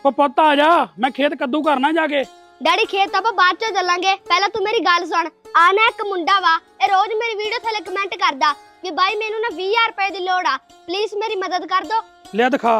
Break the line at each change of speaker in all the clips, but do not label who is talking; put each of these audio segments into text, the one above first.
ਉਹ ਪੁੱਤ ਆ ਜਾ, ਮੈਂ ਖੇਤ ਕੱਦੂ ਕਰਨਾ ਜਾ ਕੇ।
ਡੈਡੀ ਖੇਤ ਆਪਾਂ ਬਾਅਦ ਚ ਚੱਲਾਂਗੇ, ਪਹਿਲਾਂ ਤੂੰ ਮੇਰੀ ਗੱਲ ਸੁਣ। ਆ ਨਾ ਇੱਕ ਮੁੰਡਾ ਵਾ, ਇਹ ਰੋਜ਼ ਮੇਰੀ ਵੀਡੀਓ ਥੱਲੇ ਕਮੈਂਟ ਕਰਦਾ ਕਿ ਬਾਈ ਮੈਨੂੰ ਨਾ 20000 ਰੁਪਏ ਦੀ ਲੋੜ ਆ, ਪਲੀਜ਼ ਮੇਰੀ ਮਦਦ ਕਰ ਦੋ।
ਲਿਆ ਦਿਖਾ।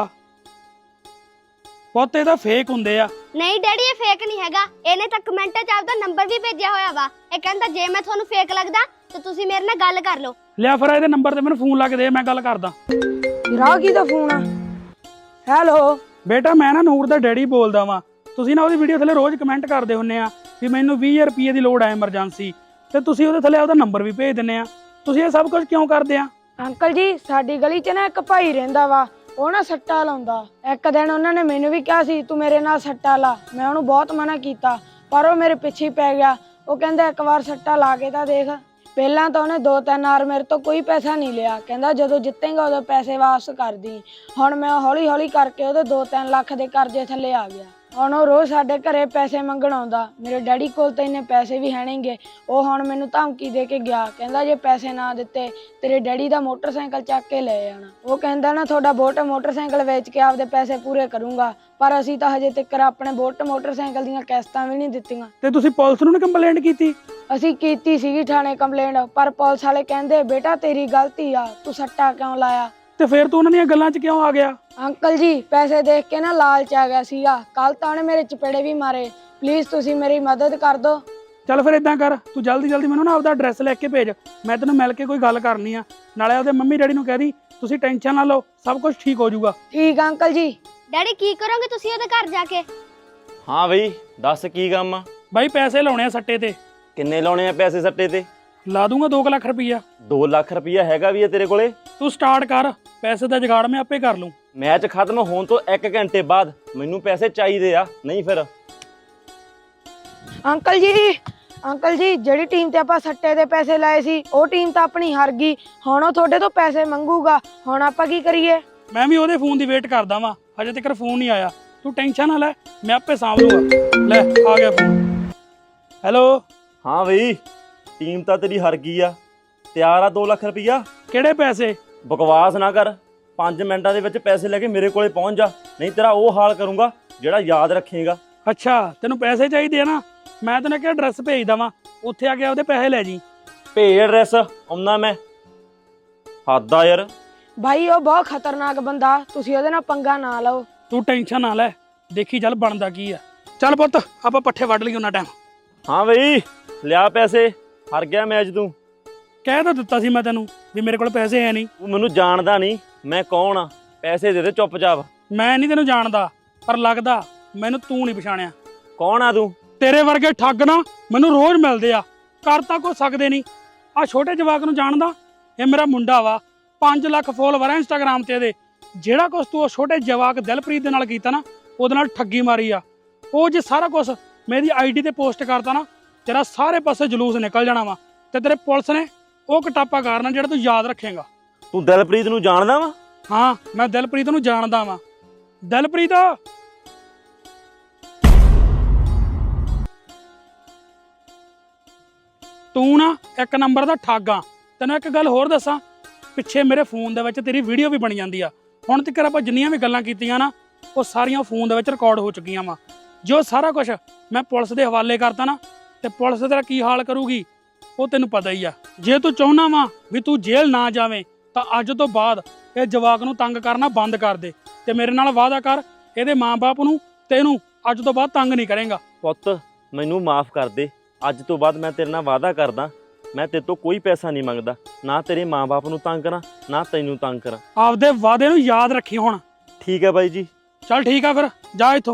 ਪੁੱਤ ਇਹ ਤਾਂ ਫੇਕ ਹੁੰਦੇ ਆ।
ਨਹੀਂ ਡੈਡੀ ਇਹ ਫੇਕ ਨਹੀਂ ਹੈਗਾ, ਇਹਨੇ ਤਾਂ ਕਮੈਂਟਾਂ 'ਚ ਆਪਦਾ ਨੰਬਰ ਵੀ ਭੇਜਿਆ ਹੋਇਆ ਵਾ। ਇਹ ਕਹਿੰਦਾ ਜੇ ਮੈਂ ਤੁਹਾਨੂੰ ਫੇਕ ਲੱਗਦਾ ਤਾਂ ਤੁਸੀਂ ਮੇਰੇ ਨਾਲ ਗੱਲ ਕਰ ਲਓ।
ਲਿਆ ਫਿਰ ਇਹਦੇ ਨੰਬਰ ਤੇ ਮੈਨੂੰ ਫੋਨ ਲਾ ਕੇ ਦੇ, ਮੈਂ ਗੱਲ ਕਰਦਾ।
ਰਾਗੀ ਦਾ ਫੋਨ ਆ। ਹੈਲੋ
ਬੇਟਾ ਮੈਂ ਨਾ ਨੂਰ ਦਾ ਡੈਡੀ ਬੋਲਦਾ ਵਾਂ। ਤੁਸੀਂ ਨਾ ਉਹਦੀ ਵੀਡੀਓ ਥੱਲੇ ਰੋਜ਼ ਕਮੈਂਟ ਕਰਦੇ ਹੁੰਨੇ ਆ ਵੀ ਮੈਨੂੰ 20000 ਰੁਪਏ ਦੀ ਲੋੜ ਆ ਐਮਰਜੈਂਸੀ, ਤੇ ਤੁਸੀਂ ਉਹਦੇ ਥੱਲੇ ਉਹਦਾ ਨੰਬਰ ਵੀ ਭੇਜ ਦਿੰਨੇ ਆ। ਤੁਸੀਂ ਇਹ ਸਭ ਕੁਝ ਕਿਉਂ ਕਰਦੇ ਆ?
ਅੰਕਲ ਜੀ ਸਾਡੀ ਗਲੀ 'ਚ ਨਾ ਇੱਕ ਭਾਈ ਰਹਿੰਦਾ ਵਾ, ਉਹ ਨਾ ਸੱਟਾ ਲਾਉਂਦਾ। ਇੱਕ ਦਿਨ ਉਹਨਾਂ ਨੇ ਮੈਨੂੰ ਵੀ ਕਿਹਾ ਸੀ ਤੂੰ ਮੇਰੇ ਨਾਲ ਸੱਟਾ ਲਾ, ਮੈਂ ਉਹਨੂੰ ਬਹੁਤ ਮਨਾ ਕੀਤਾ ਪਰ ਉਹ ਮੇਰੇ ਪਿੱਛੇ ਹੀ ਪੈ ਗਿਆ। ਉਹ ਕਹਿੰਦਾ ਇੱਕ ਵਾਰ ਸੱਟਾ ਲਾ ਕੇ ਤਾਂ ਦੇਖ। ਪਹਿਲਾਂ ਤਾਂ ਉਹਨੇ 2-3 ਵਾਰ ਮੇਰੇ ਤੋਂ ਕੋਈ ਪੈਸਾ ਨਹੀਂ ਲਿਆ, ਕਹਿੰਦਾ ਜਦੋਂ ਜਿੱਤੇਗਾ ਉਦੋਂ ਪੈਸੇ ਵਾਪਸ ਕਰ ਦੀ। ਹੁਣ ਮੈਂ ਹੌਲੀ ਹੌਲੀ ਕਰਕੇ ਉਹਦੇ 2-3 ਲੱਖ ਦੇ ਕਰਜ਼ੇ ਥੱਲੇ ਆ ਗਿਆ। ਹੁਣ ਉਹ ਰੋਜ਼ ਸਾਡੇ ਘਰੇ ਪੈਸੇ ਮੰਗਣ ਆਉਂਦਾ। ਮੇਰੇ ਡੈਡੀ ਕੋਲ ਤਾਂ ਇੰਨੇ ਪੈਸੇ ਵੀ ਹੈ ਨਹੀਂਗੇ। ਉਹ ਹੁਣ ਮੈਨੂੰ ਧਮਕੀ ਦੇ ਕੇ ਗਿਆ, ਕਹਿੰਦਾ ਜੇ ਪੈਸੇ ਨਾ ਦਿੱਤੇ ਤੇਰੇ ਡੈਡੀ ਦਾ ਮੋਟਰਸਾਈਕਲ ਚੱਕ ਕੇ ਲੈ ਜਾਣਾ। ਉਹ ਕਹਿੰਦਾ ਨਾ ਤੁਹਾਡਾ ਬੋਟ ਮੋਟਰਸਾਈਕਲ ਵੇਚ ਕੇ ਆਪਦੇ ਪੈਸੇ ਪੂਰੇ ਕਰੂੰਗਾ, ਪਰ ਅਸੀਂ ਤਾਂ ਹਜੇ ਤੱਕ ਆਪਣੇ ਬੋਟ ਮੋਟਰਸਾਈਕਲ ਦੀਆਂ ਕਿਸ਼ਤਾਂ ਵੀ ਨਹੀਂ ਦਿੱਤੀਆਂ।
ਤੇ ਤੁਸੀਂ ਪੁਲਿਸ ਨੂੰ ਕੰਪਲੇਂਟ ਕੀਤੀ?
ਅਸੀਂ ਕੀਤੀ ਸੀਗੀ ਥਾਣੇ ਕੰਪਲੇਂਟ, ਪਰ ਪੁਲਿਸ ਵਾਲੇ ਕਹਿੰਦੇ ਬੇਟਾ ਤੇਰੀ ਗਲਤੀ ਆ, ਤੂੰ ਸੱਟਾ ਕਿਉਂ ਲਾਇਆ।
ਤੇ ਫਿਰ ਤੂੰ ਉਹਨਾਂ ਦੀਆਂ ਗੱਲਾਂ 'ਚ ਕਿਉਂ ਆ ਗਿਆ?
ਅੰਕਲ ਜੀ ਪੈਸੇ ਦੇਖ ਕੇ ਨਾ ਲਾਲਚ ਆ ਗਿਆ ਸੀਗਾ। ਕੱਲ ਤਾਂ ਉਹਨੇ ਮੇਰੇ ਚਪੇੜੇ ਵੀ ਮਾਰੇ। ਪਲੀਜ਼ ਤੁਸੀਂ ਮੇਰੀ ਮਦਦ ਕਰ ਦਿਓ।
ਚੱਲ ਫਿਰ ਇਦਾਂ ਕਰ, ਤੂੰ ਜਲਦੀ ਜਲਦੀ ਮੈਨੂੰ ਨਾ ਆਪਦਾ ਐਡਰੈਸ ਲੈ ਕੇ ਭੇਜ, ਮੈਂ ਤੈਨੂੰ ਮਿਲ ਕੇ ਕੋਈ ਗੱਲ ਕਰਨੀ ਆ। ਨਾਲੇ ਉਹਦੇ ਮੰਮੀ ਡੈਡੀ ਨੂੰ ਕਹਿ ਦੀ ਤੁਸੀਂ ਟੈਨਸ਼ਨ ਨਾ ਲਓ, ਸਭ ਕੁਝ ਠੀਕ ਹੋ ਜਾਊਗਾ।
ਠੀਕ ਆ ਅੰਕਲ ਜੀ।
ਡੈਡੀ ਕੀ ਕਰੋਗੇ ਤੁਸੀਂ ਉਹਦੇ ਘਰ ਜਾ ਕੇ?
ਹਾਂ ਬਈ ਦੱਸ ਕੀ ਕੰਮ ਆ?
ਬਾਈ ਪੈਸੇ ਲਾਉਣੇ ਆ ਸੱਟੇ ਤੇ।
ਕਿੰਨੇ ਲਾਉਣੇ ਆ ਪੈਸੇ ਸੱਟੇ ਤੇ?
ਲਾ ਦੂੰਗਾ 2 ਲੱਖ ਰੁਪਈਆ।
2 ਲੱਖ ਰੁਪਈਆ ਹੈਗਾ ਵੀ ਆ ਤੇਰੇ ਕੋਲੇ?
ਤੂੰ ਸਟਾਰਟ ਕਰ, ਪੈਸੇ ਦਾ ਜੁਗਾੜ ਮੈਂ ਆਪੇ ਕਰ ਲੂੰ।
ਮੈਚ ਖਤਮ ਹੋਣ ਤੋਂ 1 ਘੰਟੇ ਬਾਅਦ ਮੈਨੂੰ ਪੈਸੇ ਚਾਹੀਦੇ ਆ, ਨਹੀਂ ਫਿਰ।
ਅੰਕਲ ਜੀ ਜਿਹੜੀ ਟੀਮ ਤੇ ਆਪਾਂ ਸੱਟੇ ਦੇ ਪੈਸੇ ਲਾਏ ਸੀ ਉਹ ਟੀਮ ਤਾਂ ਆਪਣੀ ਹਾਰ ਗਈ। ਹੁਣ ਉਹ ਤੁਹਾਡੇ ਤੋਂ ਪੈਸੇ ਮੰਗੂਗਾ, ਹੁਣ ਆਪਾਂ ਕੀ ਕਰੀਏ?
ਮੈਂ ਵੀ ਉਹਦੇ ਫੋਨ ਦੀ ਵੇਟ ਕਰਦਾ ਵਾਂ, ਹਜੇ ਤੱਕ ਫੋਨ ਨਹੀਂ ਆਇਆ। ਤੂੰ ਟੈਨਸ਼ਨ ਨਾ ਲੈ, ਮੈਂ ਆਪੇ ਸਾਂਭ ਲੂੰਗਾ। ਲੈ ਆ ਗਿਆ ਫੋਨ। ਹੈਲੋ।
ਹਾਂ ਬਈ ਟੀਮ ਤਾਂ ਤੇਰੀ ਹਾਰ ਗਈ ਆ, ਤਿਆਰ ਆ 2 ਲੱਖ ਰੁਪਈਆ?
ਕਿਹੜੇ ਪੈਸੇ?
ਬਕਵਾਸ ਨਾ ਕਰ, 5 ਮਿੰਟਾਂ ਦੇ ਵਿੱਚ ਪੈਸੇ ਲੈ ਕੇ ਮੇਰੇ ਕੋਲੇ ਪਹੁੰਚ ਜਾ, ਨਹੀਂ ਤੇਰਾ ਉਹ ਹਾਲ ਕਰੂੰਗਾ ਜਿਹੜਾ ਯਾਦ ਰੱਖੇਗਾ।
ਅੱਛਾ ਤੈਨੂੰ ਪੈਸੇ ਚਾਹੀਦੇ ਆ ਨਾ, ਮੈਂ ਤੈਨੂੰ ਇੱਕ ਐਡਰੈਸ ਭੇਜ ਦਵਾਂ, ਉੱਥੇ ਆ ਕੇ ਉਹਦੇ ਪੈਸੇ ਲੈ ਜੀ।
ਭੇਜ ਐਡਰੈਸ, ਆਉਣਾ ਮੈਂ। ਹੱਦ ਆ ਯਾਰ।
ਭਾਈ ਉਹ ਬਹੁਤ ਖਤਰਨਾਕ ਬੰਦਾ, ਤੁਸੀਂ ਉਹਦੇ ਨਾਲ ਪੰਗਾ ਨਾ ਲਓ।
ਤੂੰ ਟੈਨਸ਼ਨ ਨਾ ਲੈ, ਦੇਖੀ ਚੱਲ ਬਣਦਾ ਕੀ ਆ। ਚੱਲ ਪੁੱਤ ਆਪਾਂ ਪੱਠੇ ਵੱਢ ਲਈ ਉਹਨਾਂ ਟਾਈਮ।
ਹਾਂ ਬਈ ਲਿਆ ਪੈਸੇ, ਹਾਰ ਗਿਆ ਮੈਚ ਤੂੰ।
ਕਹਿ ਤਾਂ ਦਿੱਤਾ ਸੀ ਮੈਂ ਤੈਨੂੰ ਵੀ ਮੇਰੇ ਕੋਲ ਪੈਸੇ ਹੈ ਨਹੀਂ।
ਤੂੰ ਮੈਨੂੰ ਜਾਣਦਾ ਨਹੀਂ, ਮੈਂ ਕੌਣ ਆ? ਪੈਸੇ ਦੇ ਦੇ ਚੁੱਪਚਾਪ।
ਮੈਂ ਨਹੀਂ ਤੈਨੂੰ ਜਾਣਦਾ, ਪਰ ਲੱਗਦਾ ਮੈਨੂੰ ਤੂੰ ਨਹੀਂ ਪਛਾਣਿਆ।
ਕੌਣ ਆ ਤੂੰ?
ਤੇਰੇ ਵਰਗੇ ਠੱਗ ਨਾ ਮੈਨੂੰ ਰੋਜ਼ ਮਿਲਦੇ ਆ, ਕਰ ਤਾਂ ਕੁਛ ਸਕਦੇ ਨਹੀਂ। ਆ ਛੋਟੇ ਜਵਾਕ ਨੂੰ ਜਾਣਦਾ, ਇਹ ਮੇਰਾ ਮੁੰਡਾ ਵਾ, 5 ਲੱਖ ਫੋਲੋਵਰ ਆ ਇੰਸਟਾਗ੍ਰਾਮ ਤੇ ਇਹਦੇ। ਜਿਹੜਾ ਕੁਛ ਤੂੰ ਉਹ ਛੋਟੇ ਜਵਾਕ ਦਿਲਪ੍ਰੀਤ ਦੇ ਨਾਲ ਕੀਤਾ ਨਾ, ਉਹਦੇ ਨਾਲ ਠੱਗੀ ਮਾਰੀ ਆ। ਉਹ ਜੇ ਸਾਰਾ ਕੁਛ ਮੇਰੀ ਆਈਡੀ ਤੇ ਪੋਸਟ ਕਰਤਾ ਨਾ, ਤੇਰਾ ਸਾਰੇ ਪਾਸੇ ਜਲੂਸ ਨਿਕਲ ਜਾਣਾ ਵਾ, ਤੇ ਤੇਰੇ ਪੁਲਿਸ ਨੇ ਉਹ ਕਟਾਪਾ ਕਰਨਾ ਜਿਹੜਾ ਤੂੰ ਯਾਦ ਰੱਖੇਗਾ।
ਤੂੰ ਦਿਲਪ੍ਰੀਤ ਨੂੰ ਜਾਣਦਾ ਵਾ?
ਹਾਂ ਮੈਂ ਦਿਲਪ੍ਰੀਤ ਨੂੰ ਜਾਣਦਾ ਵਾਂ। ਦਿਲਪ੍ਰੀਤ ਤੂੰ ਨਾ 1 ਨੰਬਰ ਦਾ ਠੱਗ ਆ। ਤੈਨੂੰ ਇੱਕ ਗੱਲ ਹੋਰ ਦੱਸਾਂ, ਪਿੱਛੇ ਮੇਰੇ ਫੋਨ ਦੇ ਵਿੱਚ ਤੇਰੀ ਵੀਡੀਓ ਵੀ ਬਣ ਜਾਂਦੀ ਆ। ਹੁਣ ਤੱਕ ਆਪਾਂ ਜਿੰਨੀਆਂ ਵੀ ਗੱਲਾਂ ਕੀਤੀਆਂ ਨਾ, ਉਹ ਸਾਰੀਆਂ ਫੋਨ ਦੇ ਵਿੱਚ ਰਿਕਾਰਡ ਹੋ ਚੁੱਕੀਆਂ ਵਾ। ਜੋ ਸਾਰਾ ਕੁਝ ਮੈਂ ਪੁਲਿਸ ਦੇ ਹਵਾਲੇ ਕਰਤਾ ਨਾ, ਤੇ ਪੁਲਿਸ ਤੇਰਾ ਕੀ ਹਾਲ ਕਰੂਗੀ ਉਹ ਤੈਨੂੰ ਪਤਾ ਹੀ ਆ। ਜੇ ਤੂੰ ਚਾਹੁੰਦਾ ਵਾ ਵੀ ਤੂੰ ਜੇਲ੍ਹ ਨਾ ਜਾਵੇਂ, ਤਾਂ ਅੱਜ ਤੋਂ ਬਾਅਦ ਇਹ ਜਵਾਕ ਨੂੰ ਤੰਗ ਕਰਨਾ ਬੰਦ ਕਰ ਦੇ, ਤੇ ਮੇਰੇ ਨਾਲ ਵਾਅਦਾ ਕਰ ਇਹਦੇ ਮਾਂ-ਬਾਪ ਨੂੰ ਤੈਨੂੰ ਅੱਜ ਤੋਂ ਬਾਅਦ ਤੰਗ ਨਹੀਂ ਕਰੇਗਾ।
ਪੁੱਤ ਮੈਨੂੰ ਮਾਫ ਕਰ ਦੇ, ਅੱਜ ਤੋਂ ਬਾਅਦ ਮੈਂ ਤੇਰੇ ਨਾਲ ਵਾਅਦਾ ਕਰਦਾ, ਮੈਂ ਤੇਰੇ ਤੋਂ ਕੋਈ ਪੈਸਾ ਨਹੀਂ ਮੰਗਦਾ, ਨਾ ਤੇਰੇ ਮਾਂ-ਬਾਪ ਨੂੰ ਤੰਗ ਕਰਾਂ ਨਾ ਤੈਨੂੰ ਤੰਗ ਕਰਾਂ।
ਆਪਦੇ ਵਾਅਦੇ ਨੂੰ ਯਾਦ ਰੱਖੀ ਹੁਣ।
ਠੀਕ ਹੈ ਬਾਈ ਜੀ।
ਚੱਲ ਠੀਕ ਆ, ਫਿਰ ਜਾ ਇੱਥੋਂ।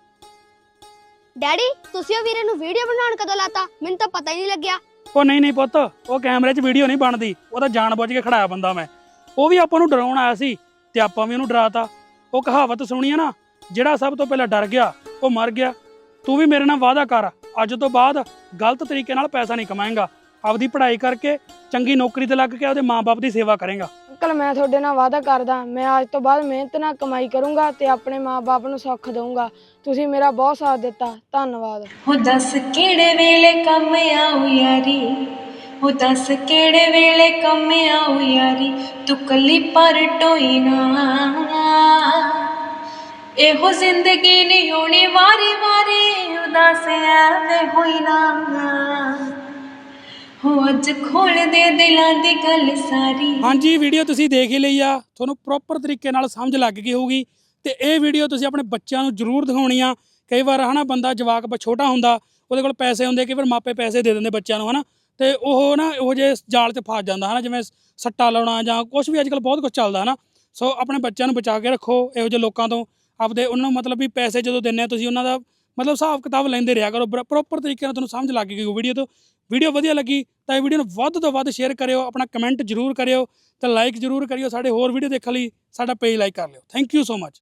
ਡੈਡੀ ਤੁਸੀਂ ਉਹ ਵੀਰੇ ਨੂੰ ਵੀਡੀਓ ਬਣਾਉਣ ਕਦੋਂ ਲਾਤਾ? ਮੈਨੂੰ ਤਾਂ ਪਤਾ ਹੀ ਨਹੀਂ ਲੱਗਿਆ।
ਉਹ ਨਹੀਂ ਪੁੱਤ, ਉਹ ਕੈਮਰੇ 'ਚ ਵੀਡੀਓ ਨਹੀਂ ਬਣਦੀ, ਉਹ ਤਾਂ ਜਾਣ ਬੁੱਝ ਕੇ ਖੜਾਇਆ ਬੰਦਾ ਮੈਂ। ਉਹ ਵੀ ਆਪਾਂ ਨੂੰ ਡਰਾਉਣ ਆਇਆ ਸੀ ਤੇ ਆਪਾਂ ਵੀ ਉਹਨੂੰ ਡਰਾਤਾ। ਉਹ ਕਹਾਵਤ ਸੁਣੀ ਆ ਨਾ, ਜਿਹੜਾ ਸਭ ਤੋਂ ਪਹਿਲਾਂ ਡਰ ਗਿਆ ਉਹ ਮਰ ਗਿਆ। ਤੂੰ ਵੀ ਮੇਰੇ ਨਾਲ ਵਾਅਦਾ ਕਰ, ਅੱਜ ਤੋਂ ਬਾਅਦ ਗਲਤ ਤਰੀਕੇ ਨਾਲ ਪੈਸਾ ਨਹੀਂ ਕਮਾਏਂਗਾ। ਆਪਦੀ ਪੜ੍ਹਾਈ ਕਰਕੇ ਚੰਗੀ ਨੌਕਰੀ ਤੇ ਲੱਗ ਕੇ ਉਹਦੇ ਮਾਂ-ਬਾਪ ਦੀ ਸੇਵਾ ਕਰੇਂਗਾ।
ਅੰਕਲ ਮੈਂ ਤੁਹਾਡੇ ਨਾਲ ਵਾਅਦਾ ਕਰਦਾ, ਮੈਂ ਅੱਜ ਤੋਂ ਬਾਅਦ ਮਿਹਨਤ ਨਾਲ ਕਮਾਈ ਕਰੂੰਗਾ ਤੇ ਆਪਣੇ ਮਾਂ-ਬਾਪ ਨੂੰ ਸੁੱਖ ਦਊਂਗਾ। ਤੁਸੀਂ ਮੇਰਾ ਬਹੁਤ ਸਾਥ ਦਿੱਤਾ, ਧੰਨਵਾਦ।
ਹੋ ਦੱਸ ਕਿਹੜੇ ਵੇਲੇ ਕੰਮ ਆਉ ਯਾਰੀ, ਹੋ ਦੱਸ ਕਿਹੜੇ ਵੇਲੇ ਕੰਮ ਆਉ ਯਾਰੀ, ਤੂੰ ਕੱਲੀ ਪਰ ਟੋਈ ਨਾ। ਇਹੋ ਜ਼ਿੰਦਗੀ ਨਹੀਂ ਹੋਣੀ ਵਾਰੀ ਵਾਰੀ ਉਦਾਸ ਐਵੇਂ ਹੋਈ ਨਾ ਹੋ ਅੱਜ ਖੋਲ ਦੇ ਦਿਲਾਂ ਦੀ ਗੱਲ ਸਾਰੀ।
ਹਾਂਜੀ ਵੀਡੀਓ ਤੁਸੀਂ ਦੇਖ ਹੀ ਲਈ ਆ, ਤੁਹਾਨੂੰ ਪ੍ਰੋਪਰ ਤਰੀਕੇ ਨਾਲ ਸਮਝ ਲੱਗ ਗਈ ਹੋਊਗੀ। ਤੇ ਇਹ ਵੀਡੀਓ ਤੁਸੀਂ ਆਪਣੇ ਬੱਚਿਆਂ ਨੂੰ ਜ਼ਰੂਰ ਦਿਖਾਉਣੀ ਆ। ਕਈ ਵਾਰ ਹਨਾ ਬੰਦਾ ਜਵਾਕ ਛੋਟਾ ਹੁੰਦਾ, ਉਹਦੇ ਕੋਲ ਪੈਸੇ ਹੁੰਦੇ, ਕਈ ਵਾਰ ਮਾਪੇ ਪੈਸੇ ਦੇ ਦਿੰਦੇ ਬੱਚਿਆਂ ਨੂੰ ਹਨਾ, ਤੇ ਉਹ ਨਾ ਇਹੋ ਜਿਹੇ ਜਾਲ 'ਚ ਫਸ ਜਾਂਦਾ ਹਨਾ, ਜਿਵੇਂ ਸੱਟਾ ਲਾਉਣਾ ਜਾਂ ਕੁਛ ਵੀ ਅੱਜ ਕੱਲ੍ਹ ਬਹੁਤ ਕੁਛ ਚੱਲਦਾ ਹਨਾ। ਸੋ ਆਪਣੇ ਬੱਚਿਆਂ ਨੂੰ ਬਚਾ ਕੇ ਰੱਖੋ ਇਹੋ ਜਿਹੇ ਲੋਕਾਂ ਤੋਂ। ਆਪਦੇ ਉਹਨਾਂ ਨੂੰ ਮਤਲਬ ਵੀ ਪੈਸੇ ਜਦੋਂ ਦਿੰਦੇ ਆ ਤੁਸੀਂ ਉਹਨਾਂ ਦਾ ਮਤਲਬ ਹਿਸਾਬ ਕਿਤਾਬ ਲੈਂਦੇ ਰਿਹਾ ਕਰੋ ਪ੍ਰੋਪਰ ਤਰੀਕੇ ਨਾਲ। ਤੁਹਾਨੂੰ ਸਮਝ ਲੱਗ ਗਈ ਵੀਡੀਓ ਤੋਂ। ਵੀਡੀਓ ਵਧੀਆ ਲੱਗੀ ਤਾਂ ਇਹ ਵੀਡੀਓ ਨੂੰ ਵੱਧ ਤੋਂ ਵੱਧ ਸ਼ੇਅਰ ਕਰਿਓ, ਆਪਣਾ ਕਮੈਂਟ ਜ਼ਰੂਰ ਕਰਿਓ ਤੇ ਲਾਈਕ ਜ਼ਰੂਰ ਕਰਿਓ। ਸਾਡੇ ਹੋਰ ਵੀਡੀਓ ਦੇਖਣ ਲਈ ਸਾਡਾ ਪੇਜ ਲਾਈਕ ਕਰ ਲਿਓ। Thank you so much.